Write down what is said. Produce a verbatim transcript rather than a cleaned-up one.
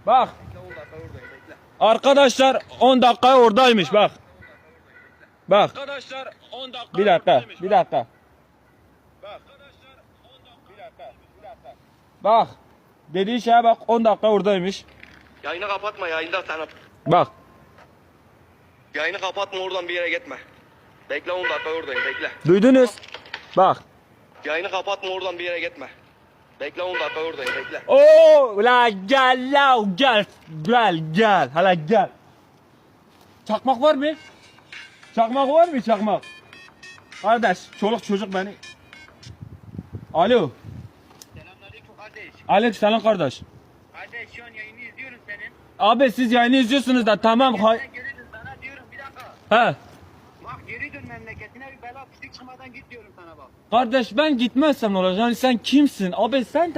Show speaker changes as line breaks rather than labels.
Bak. Arkadaşlar on dakika oradaymış bak. Bak. Arkadaşlar on dakika. Bir dakika. Bir dakika. Bak. Bak. Dediği şeye bak, on dakika oradaymış.
Yayını kapatma, yayında sana.
Bak.
Yayını kapatma, oradan bir yere gitme. Bekle, on dakika oradayım, bekle.
Duydunuz? Bak.
Yayını kapatma, oradan bir yere gitme. Bekle, on dakika oradayım, bekle.
Oo, la gel la gel. Gel gel. Hala gel. Çakmak var mı? Çakmak var mı çakmak? Kardeş, çoluk çocuk beni. Alo.
Selamünaleyküm kardeş.
Alex selam kardeş.
Kardeş şu an yayını izliyorum senin.
Abi siz yayını izliyorsunuz da tamam. Ha
Sen geri dön sana diyorum bir dakika.
He.
Bak geri dön memleketine bir bela pislik çıkmadan git diyorum sana bak.
Kardeş ben gitmezsem ne olacak? Yani sen kimsin? Abi sen